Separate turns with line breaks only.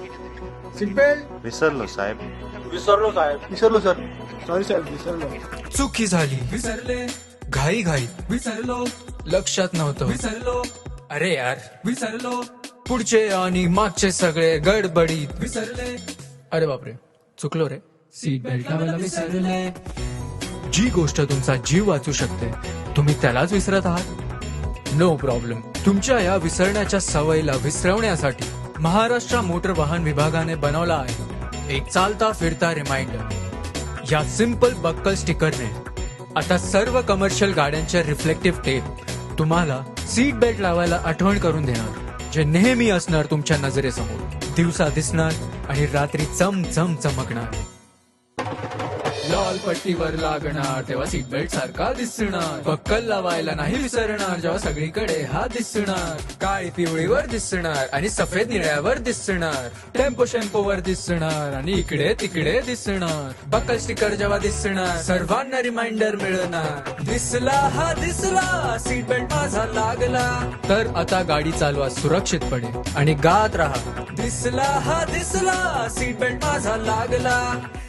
Seat belt
विसरलो साहेब.
विसरलो sir. Sorry साहेब, विसरलो.
चुकी झाली, विसरले. घाई घाई विसरलो. लक्षात नव्हतं, विसरलो. अरे यार, विसरलो. पुढचे आणि मागचे सगळे गडबडीत विसरले. अरे बापरे, चुकलो रे. सीट बेल्ट लावायला विसरले. जी गोष्ट तुमचा जीव वाचू शकते तुम्ही त्यालाच विसरत आहात. No problem. तुमच्या या विसरण्याच्या सवयीला विसरवण्यासाठी महाराष्ट्र मोटर वाहन विभागाने बनवला आहे एक चालता फिरता रिमाइंडर. या सिंपल बक्कल स्टिकरने आता सर्व कमर्शियल गाड्यांचे रिफ्लेक्टिव्ह टेप तुम्हाला सीट बेल्ट लावायला आठवण करून देणार, जे नेहमी असणार तुमच्या नजरेसमोर. दिवसा दिसणार आणि रात्री चमचम चमकणार. लाल पट्टीवर लागणार तेव्हा सीट बेल्ट सारखा दिसणार. बक्कल लावायला नाही विसरणार जेव्हा सगळीकडे हा दिसणार. काळी पिवळीवर दिसणार आणि सफेद निळ्यावर दिसणार. टेम्पो शेम्पोवर दिसणार आणि इकडे तिकडे दिसणार. बक्कल स्टिकर जेव्हा दिसणार सर्वांना रिमाइंडर मिळणार. दिसला हा दिसला, सीट बेल्ट माझा लागला. तर आता गाडी चालवा सुरक्षितपणे आणि गात राहा. दिसला हा दिसला, सीट बेल्ट माझा लागला.